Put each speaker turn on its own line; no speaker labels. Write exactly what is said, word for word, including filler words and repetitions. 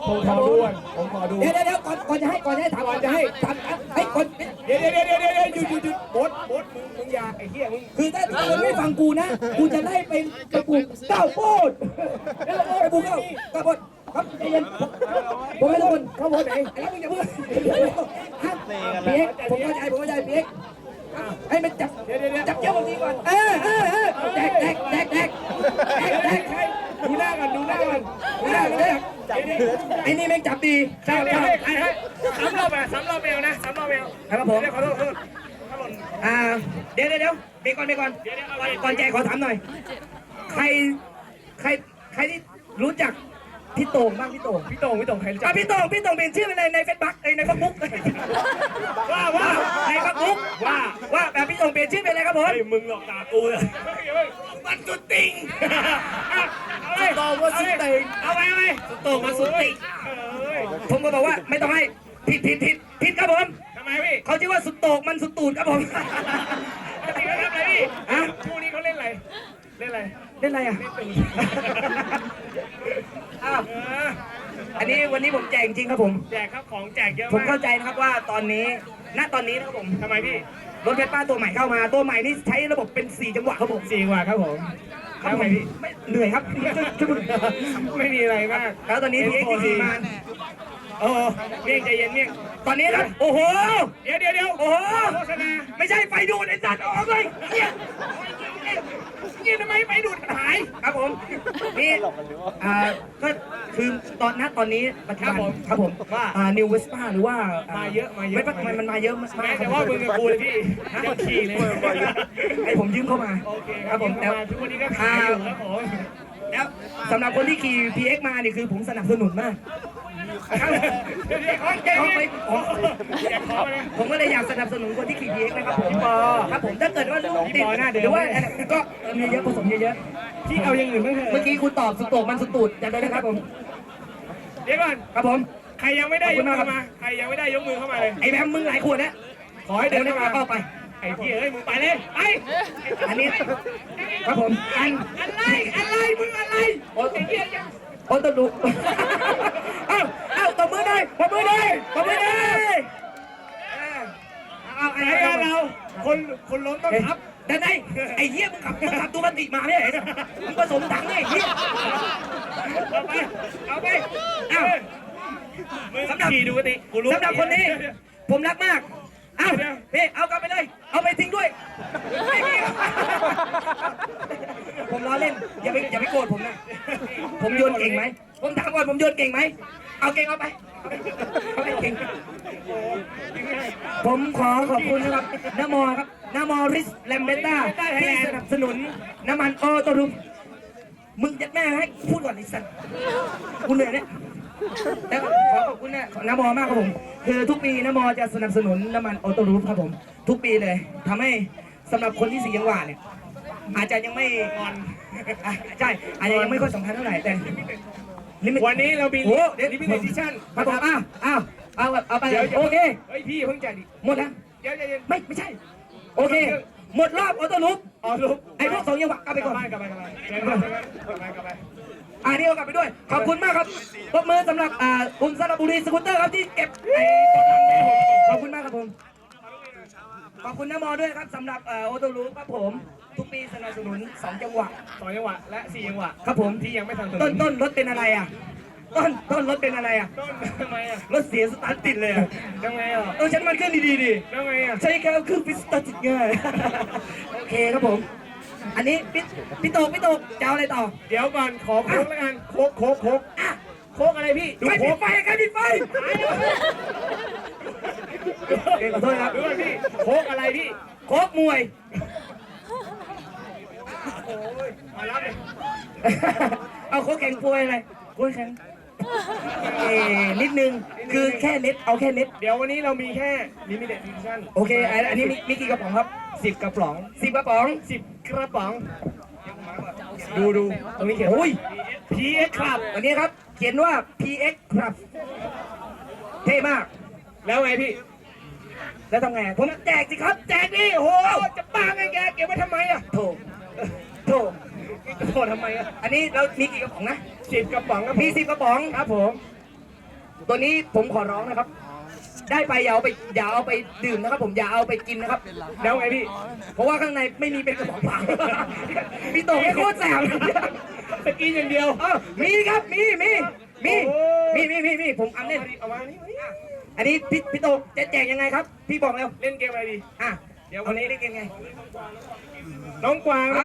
ผมขอดูผมขอดู
เดี๋ยวเดี๋ยวก่อนก่อนจะให้ก่อนจะให้ถามก่อนจะให้ถามให้ก่อน
เดี๋ยวเดี๋ยวเดี๋ยวเดี๋ยวเดี๋ยวหยุดหยุดหยุดบดบดมึงมึงอย่าไอ้เหี้ยมึง
คือถ้าคุณไม่ฟังกูนะกูจะไล่เป็นกระปุกเก้าโพดแล้วกระปุกเก้าเก้าโพดครับใจเย็นผมให้ทุกคนเข้าโพดไหนแล้วมึงอย่าเพิ่งเปียกผมเข้าใจผมเข้าใจเปียกให้มันจับจับเจ้าบางทีก่อนเออเออเออแดกแดกแดกแดกแดกแดก
ดูหน้ากันดูหน้ากัน
ดูหน้าดูหน้าไอ้นี่แม่งจับดี
ใช่ใช่ใช่ซ้ำรอบไปซ้ำรอบเบลนะซ้ำรอบเบล
ครับผม
ขอโทษขอโทษถ้าหล่น
อ่าเดี๋ยวเดี๋ยวเดี๋ยวเบรกก่อนเบรกก่อนก่อนแจกขอถามหน่อยใครใครใครที่รู้จักพี่โต่งบ้างพี่โต่ง
พี่โต่งพี่โต่งใครรู้จั
อ่ะ
ก
พี่โต่งพี่โต่งเป็นชื่อในในเฟซบุ๊กในเฟซบุ๊ก
ว่าว่า
ในเฟซบุ๊ก
ว่า
ว่าแบบพี่โต่งเปลี่ยนชื่อเป็นอะไรครับผม
เฮ้ยมึงหลอกตากูเลยมันสุดติงเอาเลยโต่งมาสุดติงเอาไปเอาไป
โต่งมาสุดติผมก็บอกว่าไม่ต้องให้ผิดผิดผิดผิดครับผม
ทำไมพี่
เขาชื่อว่าสุดโต่งมันสุดตูดครับผม
ปกติเขาทำอะไรพี่
ฮะ
คู่นี้เขาเล่นอะไรเล่นอะไร
เล่นอะไรอ่ะอ้าวอันนี้วันนี้ผมแจกจริงครับผม
แจกครับของแจกเยอะ
ผม
มาก
เข้าใจนะครับว่าตอนนี้ ณ ตอนนี้นะครับผม
ทำไมพี่
รถเพชรป้าตัวใหม่เข้ามา ตัวใหม่นี่ใช้ระบบเป็นสี่จังหวะครับผม
สี่กว่าครับผม
ครับ
ทำ
ผ
ไม
ม
พี่
ไม่เหนื่อยครับ
ไม่มีอะไรมาก
แล้วตอนนี้พีเอ็กซ์ขี่มา
โอ้เมี่ยงใจเย็นเมี่ยง
ตอนนี้ครับ โอ้โห
เดี๋ยวเดี๋ยวเดี๋ยว
โอ้โห
โฆษณา
ไม่ใช่ไฟดูดไอ้สัตว์ออกเลยเนี่ย
เนี่ยทำไมไปดูดหาย
ครับผม นี่ อ่า ก็คือตอนนั้นตอนนี้ปัจจุบันครับผมว่าอ่านิวเวสป้าหรือว่า
มาเยอะมาเยอะ
ไม่ปัจจุบันมันมาเยอะมาก
แม้แต่ว่ามึงกับกูเลยพี่ยังขี่เลย
ไอ้ผมยืมเข้ามา
โอเค
ครับผม
แต่
แต่
ทุกวันนี้ก็ขายอยู่ครับผม
แล้วสำหรับคนที่ขี่ พี เอ็กซ์ มานี่คือผมสนับสนุนมากครับ
เดี๋ยวเดี๋ยวขอแจก
เขาไป
ของแจกของเลย
ผมก็เลยอยากสนับสนุนคนที่ขี่ พี เอ็กซ์ นะครับผม
พี่ปอ
ครับผมถ้าเกิดว่าลูก
พี่
ติด
ปอหน้าเดิม
หรือว่าก็มีเยอะผสมเยอะ
พี่เอาอย่างอื่นบ้างเถ
ๆ
อะ
เมื่อกี้คุณตอบสุดโต่งมันสุดตูดจำได้ไหมครับผม
เดี๋ยวก่อน
ครับผม
ใครยังไม่ได้
ขอบ
ย
คุ
ก
ณ
มื
มาก
อ
ครับ
มาใครยังไม่ได้ยกมือเข้ามาเลย
ไอ้แบมมึงหลายขวดนะ
ขอให้เดิน
เดี๋ยว
เข้า
นะ
มา
เข้าไป
ไอ้พี่เอ้ยมึงไปเลยไป
อันนี้ครับผมอัน
อะไรอะไรมึงอะไร
โอ้
ไอ้เหี้ยยัง
โอ้ตลุเอ้าเอ้าตบมือได้ตบมือได้ตบมือได้เอา
ไหน
ไอ้
อะ
เรา
เราคนคนล้มต้องทับ
แต่ไหนไอ้เหี้ยมึงขับมึงขับตัวมันติมาไม่ใช่เหรอมึงผสมถังไอ้เหี้ย
เอาไปเอาไป
เอ้า
มึงขี่ดูกันดิกูรู้
สำหรับคนนี้ ผมรักมาก เอ้าพี่เอากลับไปเลย เอาไปทิ้งด้วยไม่มีผมล้อเล่น อย่าไปอย่าไปโกรธผมนะ ผมโยนเก่งไหม ผมถามก่อนผมโยนเก่งไหม เอาเก่งเอาไป เอาไปเก่ง ผมขอขอบคุณนะครับนโมครับนโมริสแลมเบต้าที่สนับสนุนน้ำมันออโต้รุมมึงจะแม่ให้พูดก่อนไอ้สัตว์กูเหนื่อยเนี่ยแต่ขอขอบคุณนะนโมมากครับผม คือทุกปีนโมจะสนับสนุนน้ำมันออโต้รูฟครับผม ทุกปีเลยทำให้สำหรับคนที่สียังหวานเนี่ยอาจจะยังไม่งอนอ่ะใช่อาจจะยังไม่ค่อยสำคัญเท่าไหร่แต่
วันนี้เรามี
โอ้เดี๋ยว
ลิมิเต็ดดิชั่น
ครับผมอ้าวอ้าวเอาเอาไป
เดี๋ยว
โอเค
เฮ้ยพี่เพิ่งจ่ายดิ
หมดแล้ว
เดี๋ยวเดี๋ยว
ไม่ไม่ใช่ โอเค หมดรอบออโต้รูฟ
อ๋อลูก
ไอ้พวกสองยังหวะกลับไป
กลั
ก่
บ
อน
บ้านกลับบ้านกลับบ้านกลับบ้านกลับบ้านกลับบ้าน
อ่านี่เอากลับไปด้วย ขอบคุณมากครับปรบมือสำหรับอ่าคุณสระบุรีสกูตเตอร์ครับที่เก็บไอ้ตัวหลังแม่ผมขอบคุณมากครับผม ขอบคุณน้ำมอด้วยครับสำหรับเอ่อโอโตรูครับผม ทุกปีสนับสนุนสองจังหวะ
สองจังหวะและสี่จังหวะ
ครับผม
ที่ยังไม่ทัน
ต้นต้นรถเป็นอะไรอ่ะ ต้นต้นรถเป็นอะไรอ่ะ
ต้นทำไมอ่ะ
รถเสียสตาร์ทติดเลยอ่ะ
ทำไงอ่ะ
เออฉันมันเครื่องดีๆดิ
ทำไงอ่ะ
ใช้แค่เครื่องพิสตาร์ทติดง่าย โอเคครับผม อันนี้พี่พี่โตกพี่โตกจะเอาอะไรต่อ
เดี๋ยวก่อนขอโค้กแล้วกันโค้กโค้กโค้ก
อ่ะ
โค้กอะไรพี่ดู
ใครปิ
โค้
ด
ก
ไฟใครปิดไฟโอเคขอโทษครับ
ดูก่อนพี่โค้กอะไรพี่
โค้กมวย
โอ้ยมารับเลย
เอาโค้กแข็งป่วยอะไรโค้กแข็งเอ่อนิดนึง คือแค่เน็ต เอาแค่เน็ต
เดี๋ยววันนี้เรามีแค่ลิมิเต็ดดิชั่น
โอเค อันนี้มีมีกี่กระป๋องครับ
สิบกระป๋อง
สิบกระป๋อง
สิบกระป๋อง ดูดูตรงนี้เขียน
โอ้ย
พีเอ็กครับ
วันนี้ครับ เขียนว่า พี เอ็กซ์ ครับ เท่มาก
แล้วไงพี่
แล้วทำไง ผมแจกสิครับ แจกดิโอ้โห
จะบ้าไงแกเก็บไว้ทำไมอ่ะ
โถโถ
โทษทำไมอ่ะ
อันนี้เรามีกี่กระป๋องนะ
สิบกระป๋องครับ
มีสิบกระป๋อง
ครับผม
อตัวนี้ผมขอร้องนะครับ ได้ไปอย่าเอาไปอย่าเอาไปดื่มนะครับ ผมอย่าเอาไปกินนะครับ
แล้วไงพี่
เพราะว่าข้างในไม่มีเป็นกระป๋องเปล่าพี่โตโคตรแสบ
ตะกินอย่างเดียว
เออมีครับมีมีมี
โอ้
มีมีมีมีผมอันเล่น
เอามานี่มานี่
อันนี้พี่พี่โตจะแจกยังไงครับ พี่บอกแล้ว
เล่นเกมอะไรดี
อ่ะเดี๋ยววันนี้เล่นกันไง
น้องกวาง